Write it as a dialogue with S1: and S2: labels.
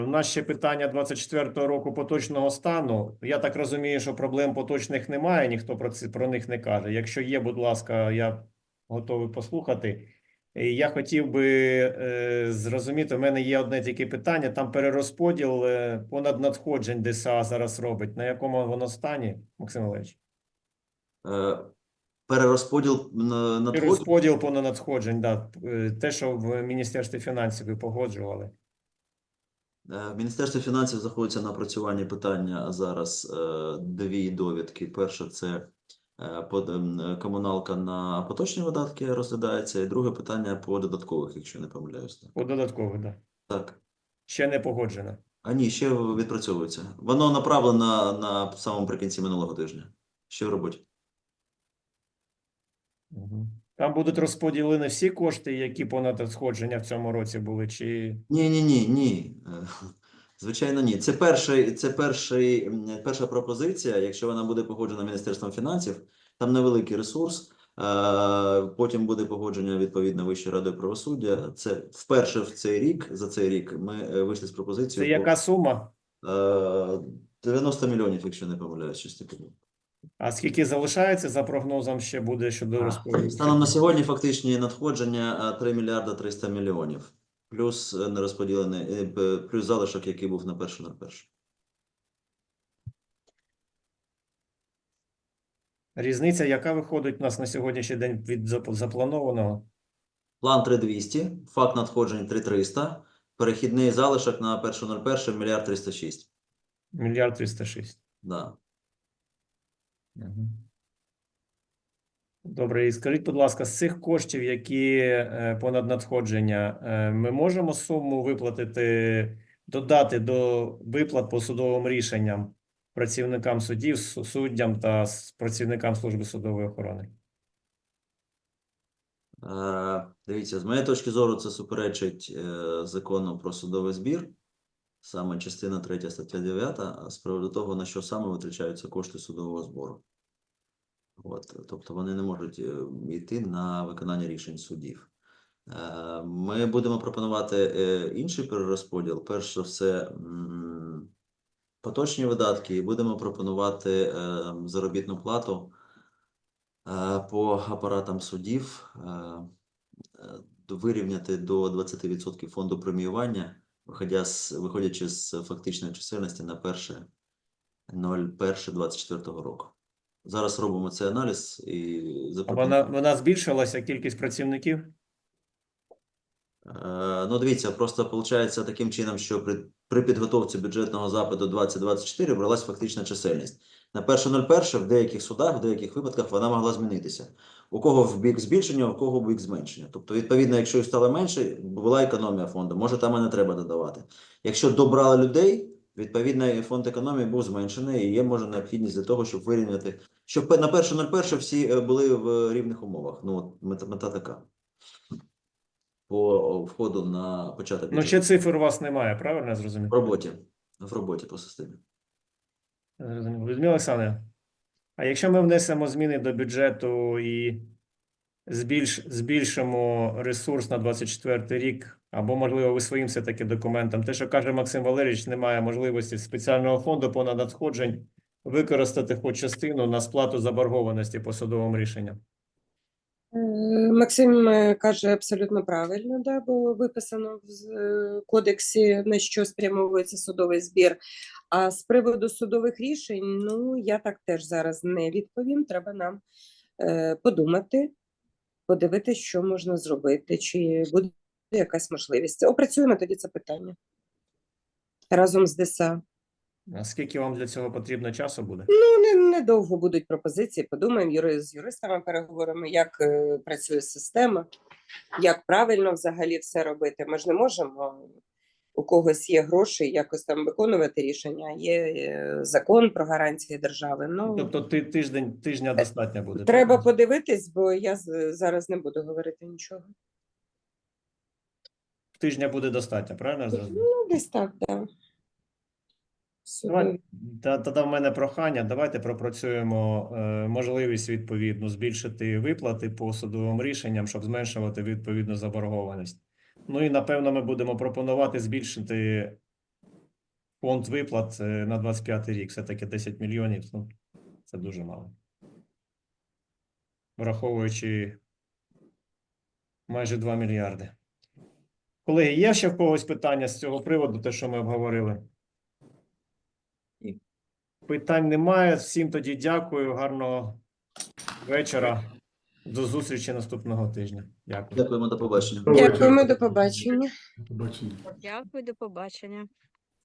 S1: У нас ще питання 24-го року поточного стану. Я так розумію, що проблем поточних немає, ніхто про них не каже. Якщо є, будь ласка, я готовий послухати. І я хотів би зрозуміти, у мене є одне тільки питання, там перерозподіл понад надходжень ДСА зараз робить. На якому воно стані, Максим Олегович?
S2: Перерозподіл надходжень?
S1: Перерозподіл понад надходжень, да. Те, що в Міністерстві фінансів ви погоджували.
S2: В Міністерстві фінансів знаходиться на опрацюванні питання зараз дві довідки. Перше – це комуналка на поточні видатки розглядається, і друге питання по додаткових, якщо не помиляюся.
S1: По додаткових, да.
S2: Так.
S1: Ще не погоджено.
S2: А ні, ще відпрацьовується. Воно направлено на самому прикінці минулого тижня. Ще в роботі.
S1: Там будуть розподілені всі кошти, які понад надходження в цьому році були, чи...
S2: Ні. Звичайно, ні. Це перша пропозиція. Якщо вона буде погоджена Міністерством фінансів, там невеликий ресурс. Потім буде погодження відповідно Вищої ради правосуддя. Це вперше за цей рік ми вийшли з пропозицією.
S1: Це яка сума?
S2: 90 мільйонів, якщо не помиляюсь, щось таке.
S1: А скільки залишається за прогнозом ще буде щодо розподілу?
S2: Станом на сьогодні фактичні надходження 3 мільярда 300 мільйонів. Плюс нерозподілений, плюс залишок, який був на 1.01.
S1: Різниця, яка виходить у нас на сьогоднішній день від запланованого?
S2: План 3200, факт надходжень 3300, перехідний залишок на 1.01 мільярд 306.
S1: Мільярд 306.
S2: Да.
S1: Добре, і скажіть, будь ласка, з цих коштів, які понад надходження, ми можемо суму виплатити, додати до виплат по судовим рішенням працівникам судів, суддям та працівникам служби судової охорони?
S2: Дивіться, з моєї точки зору, це суперечить закону про судовий збір, саме частина 3 стаття 9, з приводу того, на що саме витрачаються кошти судового збору. Тобто вони не можуть йти на виконання рішень судів. Ми будемо пропонувати інший перерозподіл. Перш за все, поточні видатки, і будемо пропонувати заробітну плату по апаратам судів, вирівняти до 20% фонду преміювання, виходячи з фактичної чисельності на 1.01.24 року. Зараз робимо цей аналіз і
S1: Вона збільшилася, кількість працівників?
S2: Ну, дивіться, просто виходить таким чином, що при підготовці бюджетного запиту 2024 бралась фактична чисельність. На 1.01 в деяких судах, в деяких випадках вона могла змінитися. У кого в бік збільшення, у кого в бік зменшення. Тобто, відповідно, якщо їх стало менше, була економія фонду, може там і не треба додавати. Якщо добрали людей, відповідно, фонд економії був зменшений і є, може, необхідність для того, щоб вирівняти, щоб на 1.01 всі були в рівних умовах. Ну, мета така. По входу на початок бюджету.
S1: Ну, ще цифр у вас немає, правильно я зрозумів?
S2: В роботі по системі.
S1: Людмила Олександрівна, а якщо ми внесемо зміни до бюджету і збільшимо ресурс на 24 рік, або, можливо, ви своїм все-таки документом, те, що каже Максим Валерійович, немає можливості спеціального фонду понад надходжень використати хоч частину на сплату заборгованості по судовим рішенням?
S3: Максим каже абсолютно правильно, да, бо виписано в кодексі, на що спрямовується судовий збір. А з приводу судових рішень, ну, я так теж зараз не відповім. Треба нам подумати, подивитися, що можна зробити, чи буде якась можливість. Опрацюємо тоді це питання разом з ДСА.
S1: А скільки вам для цього потрібно часу буде?
S3: Ну, недовго будуть пропозиції, подумаємо з юристами, переговоримо, як працює система, як правильно взагалі все робити. Ми ж не можемо, у когось є гроші, якось там виконувати рішення, є закон про гарантії держави. Ну,
S1: Тобто тижня достатньо буде?
S3: Треба подивитись, бо я зараз не буду говорити нічого.
S1: Тижня буде достатньо, правильно я зрозумів?
S3: Ну, десь так, так.
S1: Тоді в мене прохання, давайте пропрацюємо можливість відповідно збільшити виплати по судовим рішенням, щоб зменшувати відповідну заборгованість. Ну і напевно ми будемо пропонувати збільшити фонд виплат на 25 рік. Все-таки 10 мільйонів, ну, це дуже мало. Враховуючи майже 2 мільярди. Колеги, є ще в когось питання з цього приводу, те, що ми обговорили?
S2: Ні.
S1: Питань немає. Всім тоді дякую. Гарного вечора. До зустрічі наступного тижня. Дякую.
S2: Дякуємо, до побачення.
S3: Дякуємо, до побачення.
S4: Побачення.
S5: Дякую, до побачення.